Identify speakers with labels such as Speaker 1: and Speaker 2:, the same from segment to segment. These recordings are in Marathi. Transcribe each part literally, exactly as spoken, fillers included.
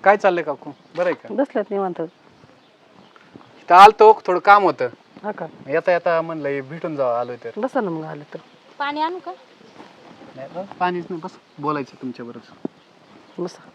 Speaker 1: काय चाललंय काकू? बरं आहे का?
Speaker 2: बसल्यात निवांत.
Speaker 1: इथं आलतो, थोडं काम होतं.
Speaker 2: हा का?
Speaker 1: येता येता म्हणलं हे भेटून जावं, आलोय तर.
Speaker 2: बसा ना मग आलं तर.
Speaker 3: पाणी आणू का?
Speaker 1: नाही बस, पाणीच नाही, बस बोलायचं तुमच्या बरोबर.
Speaker 2: बसा.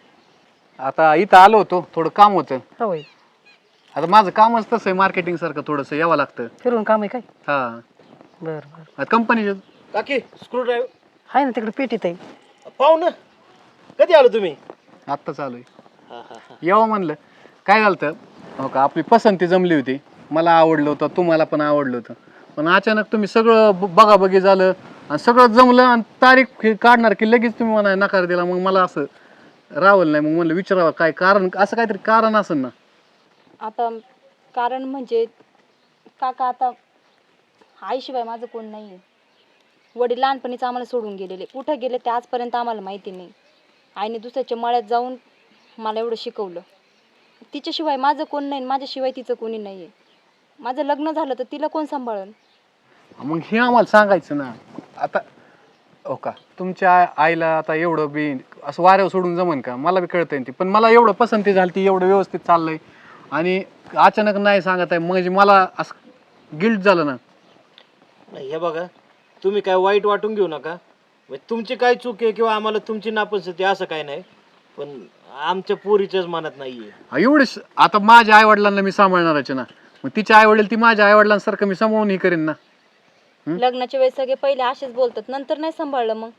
Speaker 1: आता इथं आलो होतो, थोडं काम होतं.
Speaker 2: होय.
Speaker 1: आता माझं कामच तसं आहे, मार्केटिंग सारखं थोडंसं यावं लागतं.
Speaker 2: फिरून काम आहे काय?
Speaker 1: हा,
Speaker 2: बरं बरं.
Speaker 1: कंपनी
Speaker 4: काकी स्क्रू ड्राईव्ह
Speaker 2: आहे ना तिकडे पेटीत आहे.
Speaker 4: पाहू ना. कधी आलो तुम्ही?
Speaker 1: आत्ता चालू आहे.
Speaker 4: हा हा हा.
Speaker 1: यावं म्हणलं. काय झालं तर, हो का, आपली पसंती जमली होती, मला आवडलं होतं, तुम्हाला पण आवडलं होतं. पण अचानक तुम्ही सगळं ब- बघाबघी झालं आणि सगळं जमलं आणि तारीख काढणार की लगेच तुम्ही मला नकार दिला. मग मला असं रावलं नाही, मग म्हणलं विचारावं काय कारण, असं काहीतरी कारण असेल ना.
Speaker 3: आता कारण म्हणजे काका, आता आईशिवाय माझं कोण नाही आहे. वडील लहानपणीच आम्हाला सोडून गेलेले, कुठं गेले ते आजपर्यंत आम्हाला माहिती नाही. आईने दुसऱ्याच्या मळ्यात जाऊन मला एवढं शिकवलं. तिच्याशिवाय माझं कोण नाही, माझ्याशिवाय तिचं कोणी नाही आहे. माझं लग्न झालं तर तिला कोण सांभाळन?
Speaker 1: मग हे आम्हाला सांगायचं ना. आता हो का, तुमच्या आ- आईला आता एवढं बी असं वाऱ्यावर सोडून जमन का? मला बी कळतंय ती, पण मला एवढं पसंती झाली, ती एवढं व्यवस्थित चाललंय आणि अचानक नाही सांगत आहे म्हणजे मला असं गिल्ट झालं ना.
Speaker 4: नाही हे बघा, तुम्ही काय वाईट वाटून घेऊ नका. म्हणजे तुमची काय चूक आहे किंवा आम्हाला तुमची नापसंती असं काय नाही, पण आमच्या पोरीच्याच मनात नाहीये.
Speaker 1: हा, एवढे स- आता माझ्या आई वडिलांना मी सांभाळणारच आहे ना. मग तिच्या आई वडील ती माझ्या आई वडिलांसारखं मी सांभाळून ही करेन ना.
Speaker 3: लग्नाच्या वेळेस सगळे पहिले असेच बोलतात, नंतर नाही सांभाळलं. मग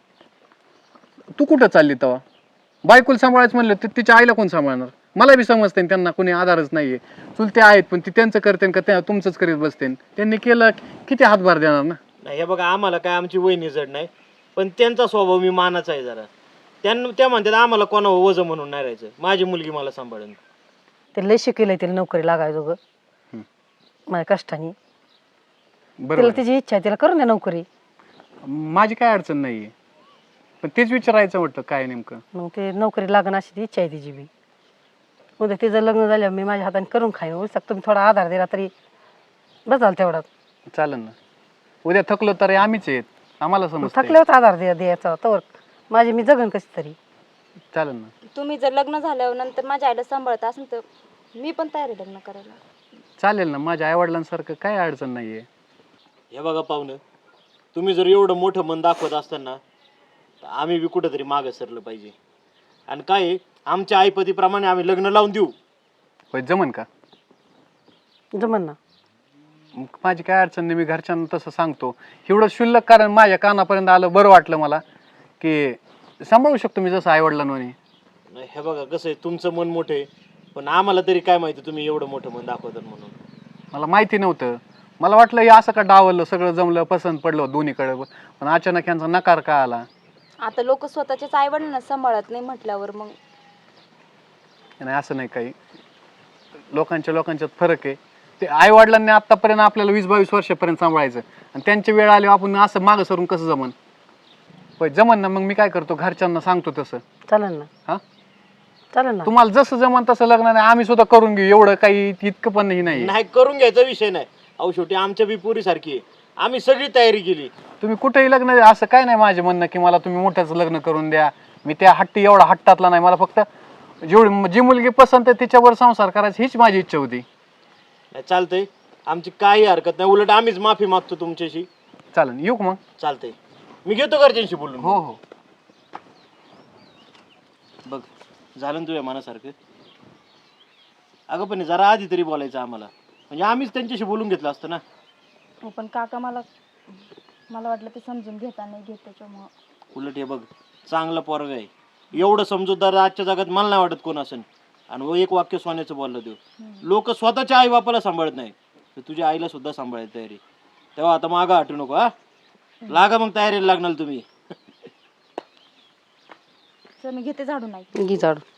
Speaker 1: तू कुठं चालली तेव्हा? बायकोला सांभाळायचं म्हणलं तर तिच्या आईला कोण सांभाळणार? मला बी समजते ना, त्यांना कोणी आधारच नाहीये. चुलते आहेत पण ती त्यांचं करते का त्या तुमचंच करीत बसते? त्यांनी केलं किती हातभार देणार ना.
Speaker 4: नाही हे बघा, आम्हाला काय आमची वहिनी जड नाही, पण त्यांचा स्वभाव मी मानाचा आहे जरा. त्यांना त्या म्हणतात आम्हाला कोणावर वजन म्हणून नाही राहायचं, माझी मुलगी मला सांभाळून.
Speaker 2: ते लय शिकेलंय, तिला नोकरी लागायचं ग माझ्या कष्टाने. तिला
Speaker 1: बरोबर,
Speaker 2: तिची इच्छा आहे, तिला करून द्या नोकरी.
Speaker 1: माझी काय अडचण नाहीये, पण तेच विचारायचं म्हटलं काय नेमकं.
Speaker 2: मग ते नोकरी लागण अशी ती इच्छा आहे तिची बी. उद्या तिचं लग्न झाल्यावर मी माझ्या हाताने करून खाईन. उलट तुम्ही थोडा आधार दिला तरी बसाल तेवढा.
Speaker 1: चालेल ना. उद्या थकलो तर आम्हीच आहेत, आम्हाला समजतं.
Speaker 2: थकल्यावर आधार द्या द्यायचा तर माझी मी जगन कशी तरी.
Speaker 1: चालेल ना.
Speaker 3: तुम्ही जर लग्न झाल्यावर नंतर माझ्या आईला सांभाळत असेल तर मी पण तयार आहे लग्न करायला.
Speaker 1: चालेल ना, माझ्या आई वडिलांसारखं काय अडचण नाहीये.
Speaker 4: हे बघा पाहुणं, तुम्ही जर एवढं मोठं मन दाखवत असताना तर आम्ही बी कुठंतरी मागं सरलं पाहिजे. आणि काय आहे, आमच्या आईपतीप्रमाणे आम्ही लग्न लावून देऊ.
Speaker 1: होय, जमन का?
Speaker 2: जमन ना.
Speaker 1: मग माझी काय अडचण नाही, मी घरच्यांना तसं सांगतो. एवढं शुल्लक कारण माझ्या कानापर्यंत आलं, बरं वाटलं मला की सांभाळू शकतो मी जसं आई वडिलांनी.
Speaker 4: नाही हे बघा, कसं आहे, तुमचं मन मोठं आहे, पण आम्हाला तरी काय माहिती तुम्ही एवढं मोठं मन दाखवतात म्हणून.
Speaker 1: मला माहिती नव्हतं. मला वाटलं हे असं का डावललं, सगळं जमलं, पसंत पडलं दोन्हीकडे, पण अचानक यांचा नकार का आला?
Speaker 3: आता लोक स्वतःच्याच आई वडिलांना सांभाळत नाही म्हटल्यावर मग
Speaker 1: नाही असं नाही, काही लोकांच्या लोकांच्यात फरक आहे. ते आई वडिलांनी आतापर्यंत आपल्याला वीस बावीस वर्षापर्यंत सांभाळायचं आणि त्यांची वेळ आली आपण असं मागं सरून कसं जमन? होय जमन ना. मग मी काय करतो, घरच्यांना सांगतो तसं.
Speaker 2: चालेल ना.
Speaker 1: हा,
Speaker 2: चालेल ना.
Speaker 1: तुम्हाला जसं जमन तसं लग्न नाही, आम्ही सुद्धा करून घेऊ. एवढं काही इतकं पण नाही.
Speaker 4: नाही करून घ्यायचा विषय नाही. अहो शेवटी आमच्या बी पोरी सारखी आहे, आम्ही सगळी तयारी केली.
Speaker 1: तुम्ही कुठेही लग्न, असं काय नाही माझे म्हणणं की मला तुम्ही मोठ्याच लग्न करून द्या. मी त्या हट्टी एवढा हट्टातला नाही. मला फक्त जेवढी जी मुलगी पसंत आहे तिच्यावर संसार करायची हीच माझी इच्छा होती.
Speaker 4: नाही चालतंय, आमची काही हरकत नाही. उलट आम्हीच माफी मागतो तुमच्याशी.
Speaker 1: चालेल, येऊ का मग?
Speaker 4: चालतंय, मी घेतो घरच्यांशी बोलून.
Speaker 1: हो हो.
Speaker 4: बघ झालं ना तुझ्या मनासारखं. अगं पण जरा आधी तरी बोलायचं आम्हाला, म्हणजे आम्हीच त्यांच्याशी बोलून घेतलं असतं ना.
Speaker 3: हो, पण काका मला मला वाटलं ते समजून घेता नाही घेत, त्याच्यामुळं.
Speaker 4: उलट हे बघ, चांगलं पोरग आहे. एवढं समजूतदार आजच्या जगात मला नाही वाटत कोण असेल. आणि व एक वाक्य सोन्याचं बोललं देऊ, लोक स्वतःच्या आई बापाला सांभाळत नाही तर तुझ्या आईला सुद्धा सांभाळायची तयारी. तेव्हा आता मागं हटू नको. हा, लागा मग तयारीला लागणार तुम्ही.
Speaker 3: चल मी घेते झाडू. नाही
Speaker 2: घे झाडू.